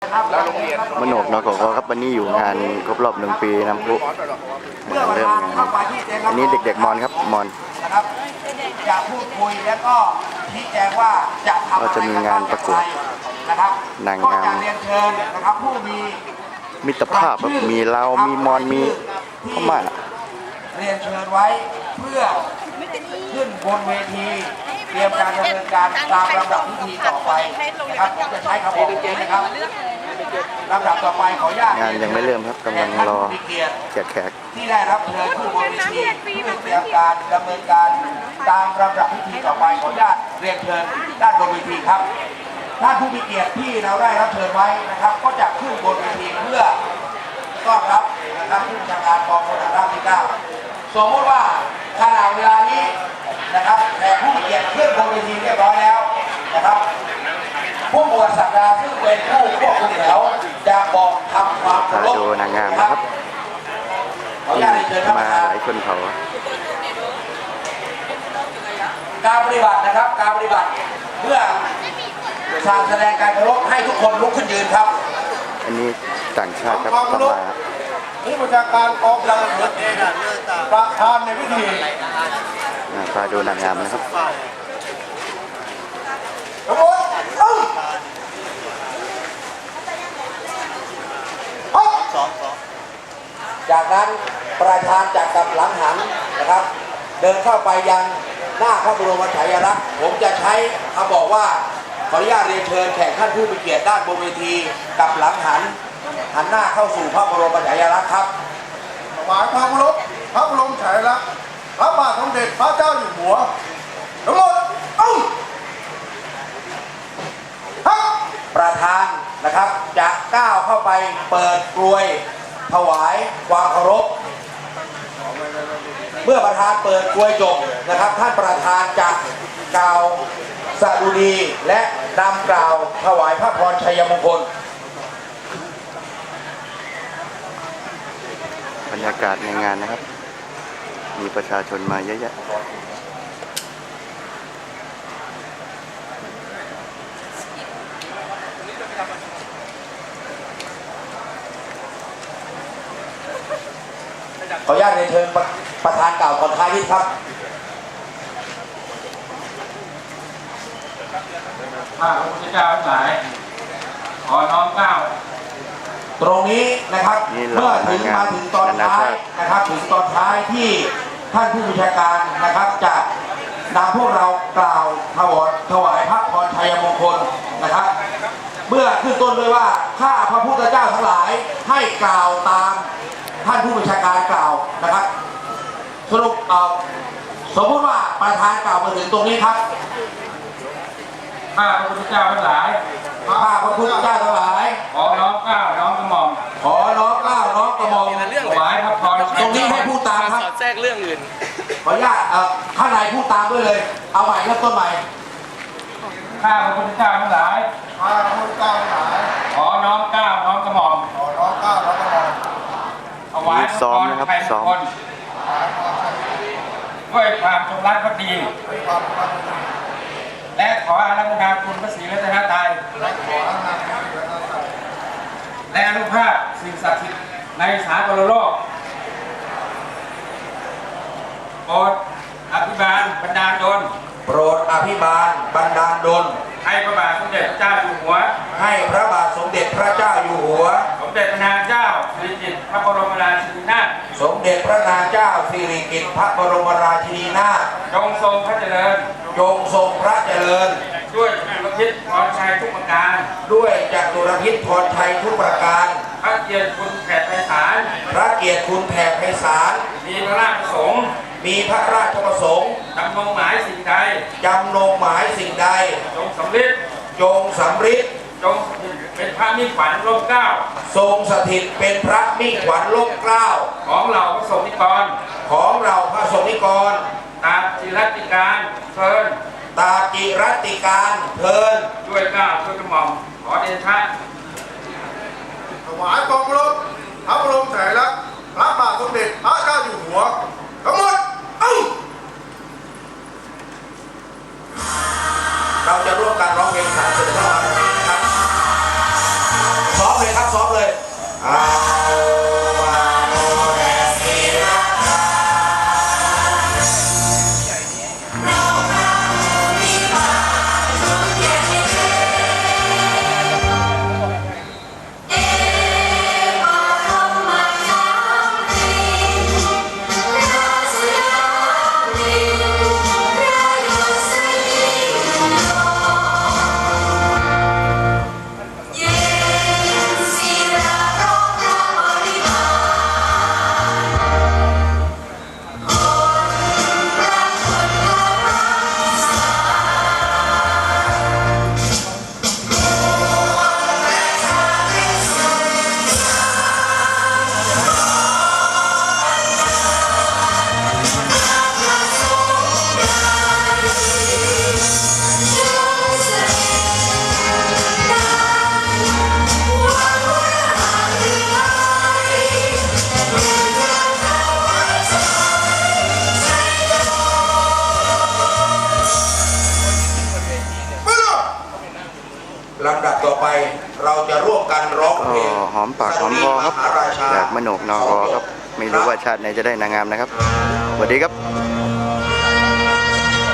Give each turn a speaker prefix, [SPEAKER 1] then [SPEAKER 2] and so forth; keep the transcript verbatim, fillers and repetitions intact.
[SPEAKER 1] แล้วโรงเรียน
[SPEAKER 2] มโนกนกครับวันนี้อยู่งานครบรอบหนึ่งปีน้ำพุเริ่มงานอันนี้เด็กๆมอนครับมอน
[SPEAKER 3] นะครับจะพูดคุยแล้วก็ชี้แจงว่าจะทำอะไร
[SPEAKER 2] ก็จะมีงานประกวด
[SPEAKER 3] นะครับ
[SPEAKER 2] นางงาม
[SPEAKER 3] ก็จะเรียนเชิญนะครับผู้มี
[SPEAKER 2] มิตรภาพครับมีเรามีมอนมีพม่า
[SPEAKER 3] เรียนเชิญไว้เพื่อขึ้นบนเวทีเตรียมการดำเนินการตามลำดับพิธีต่อไปนะครับผมจะใช้คำบอกนี้นะครับลำดับต่อไปขออนุญาต
[SPEAKER 2] งานยังไม่เริ่มครับกำลังรอแขกแขก
[SPEAKER 3] ที่ได้รับเชิญผู้บนเวทีเพื่อเตรียมการดำเนินการตามลำดับพิธีต่อไปขออนุญาตเรียนเชิญด้านบนเวทีครับท่านผู้มีเกียรติที่เราได้รับเชิญไว้นะครับก็จะขึ้นบนเวทีเพื่อต้อนรับนะครับผู้บัญชาการกองพลทหารราบที่เก้าสมมติว่าขณะเวลานี้นะครับแต่ผู้มีเกียรติขึ้นบนเวทีเรียบร้อยแล้วนะครับผู้บวชสักดาซึ่งเป็นผู้ควบคุมแถวจะบอกทำความเคารพ
[SPEAKER 2] ดูนางงามนะครับ
[SPEAKER 3] ขออนุญาตเชิญท่านป
[SPEAKER 2] มา
[SPEAKER 3] ระธาน
[SPEAKER 2] หลายคนเขา
[SPEAKER 3] การปฏิบัตินะครับการปฏิบัติเพื่อสร้างแสดงการเคารพให้ทุกคนลุกขึ้นยืนครับ
[SPEAKER 2] อันนี้ต่างชาติครับเข้ามา
[SPEAKER 4] ผู้บัญชาการกองพลทหารประธานในพิธี
[SPEAKER 2] พาดูนางงามนะครับ
[SPEAKER 3] จากนั้นประธานจากกับหลังหันนะครับเดินเข้าไปยังหน้าพระบรมฉายาลักษณ์ผมจะใช้คำบอกว่าขออนุญาตเรียนเชิญแขกท่านผู้มีเกียรติด้านบนเวทีกับหลังหันหันหน้าเข้าสู่พระบรมฉายาลักษณ์ครับ
[SPEAKER 4] หมายความเคารพพระบรมฉายาลักษณ์พระบาทสมเด็จพระเจ้าอยู่หัวทั้งหมดเอ้า
[SPEAKER 3] ประธานนะครับจะก้าวเข้าไปเปิดกลวยถวายความเคารพเมื่อประธานเปิดกลวยจบนะครับท่านประธานจะกล่าวสดุดีและนำกล่าวถวายพระพรชัยมงคล
[SPEAKER 2] บรรยากาศในงานนะครับมีประชาชนมาเยอะแยะ
[SPEAKER 3] ขออนุญาตเรียนเชิญประธานกล่าวก่อนท้ายนิดครับ
[SPEAKER 5] ข้าพระพุทธเจ้าทั้งหลายขอน้อมเกล้า
[SPEAKER 3] ตรงนี้นะครับเมื่อถึงมาถึงตอนท้ายนะครับถึงตอนท้ายที่ท่านผู้บัญชาการนะครับจะนำพวกเรากล่าวถวายถวายพระพรชัยมงคลนะครับเมื่อขึ้นต้นด้วยว่าข้าพระพุทธเจ้าทั้งหลายให้กล่าวตามท่านผู้บัญชาการกล่าวนะครับสรุปเอาสมมติว่าประธานกล่าวมาถึงตรงนี้ครับ
[SPEAKER 5] ข้าพระพุทธเจ้าทั้งหลาย
[SPEAKER 3] ข้าพระพุทธเจ้าทั้งหลาย
[SPEAKER 5] ขอน้อมเกล้าน้อมกระหม่อม
[SPEAKER 3] ขอน้อมเกล้าน้อมกระหม่อม
[SPEAKER 5] ถวายพระพร
[SPEAKER 3] ตรงนี้ให้พูดตามครับ
[SPEAKER 1] แทรกเรื่องอื่น
[SPEAKER 3] ขออนุญาตข้างในพูดตามด้วยเลยเอาใหม่เริ่มต้นใหม่
[SPEAKER 5] ข้าพระพุทธเจ้าทั้งหลาย
[SPEAKER 4] ข้าพระพุทธเจ้าทั้งหลาย
[SPEAKER 5] ขอน้อมเกล้าน้อมกระหม่อม
[SPEAKER 4] ขอน้อมเกล้าน้อมกระหม่อม
[SPEAKER 5] ถวายพระพรชัยมงคลด้วยความจงรักภักดีและขออารัธนาคุณพระศรีรัตนตรัยและอนุภาพสิ่งศักดิ์สิทธิ์ในสากลโลกโปรดอภิบาลบันดาลดล
[SPEAKER 3] โปรดอภิบาลบันดาลดล
[SPEAKER 5] ให้พระบาทสมเด็จพระเจ้าอยู่หัว
[SPEAKER 3] ให้พระบาทสมเด็จพระเจ้าอยู่หัว
[SPEAKER 5] สมเด็จพระนางเจ้าสิริกิติ์พระบรมราชินีนาถ
[SPEAKER 3] สมเด็จพระนางเจ้าสิริกิติ์พระบรมราชินีนาถ
[SPEAKER 5] จงทรงพระเจริญ
[SPEAKER 3] จงทรงพระเจริญ
[SPEAKER 5] ด้วยจตุรพิธพรชัยทุกประการ
[SPEAKER 3] ด้วยจตุรพิธพรชัยทุกประการ
[SPEAKER 5] พระเกียรติคุณแผ่ไพศาล
[SPEAKER 3] พระเกียรติคุณแผ่ไพศาล
[SPEAKER 5] มีพระราชประสงค์
[SPEAKER 3] มีพระราชประสงค์
[SPEAKER 5] จำนงหมายสิ่งใด
[SPEAKER 3] จำนงหมายสิ่งใด
[SPEAKER 5] จงสำเร็จ
[SPEAKER 3] จงสำฤทธิ์
[SPEAKER 5] จงเป็นพระมิ่งขวัญร่มเกล้า
[SPEAKER 3] ทรงสถิตเป็นพระมิ่งขวัญร่มเกล้า
[SPEAKER 5] ของเราพระสงฆ์นิกร
[SPEAKER 3] ของเราพระสงฆ์นิกร
[SPEAKER 5] ตามจิรัติการเพลิน
[SPEAKER 3] ตาจิรัติการเพลิน
[SPEAKER 5] ด้วยเกล้าด้วยกระหม่อมขอเดชะ
[SPEAKER 4] ถวายกองเคารพพระบรมฉายาลักษณ์พระบาทสมเด็จพระเจ้าอยู่หัวทั้งหมดเอ้า
[SPEAKER 3] เราจะร่วมกันร้องเพลงสรรเสริญพระบารมีครับลำดับต่อไปเราจะร่วมกันร้องเพล
[SPEAKER 2] ก็
[SPEAKER 3] ง
[SPEAKER 2] หอมปากหอมคอครับ
[SPEAKER 3] มหาราชา
[SPEAKER 2] จากมโนกนอครับ ไม่รู้ว่าชาติไหนจะได้นางงามนะครับสวัสดีครับ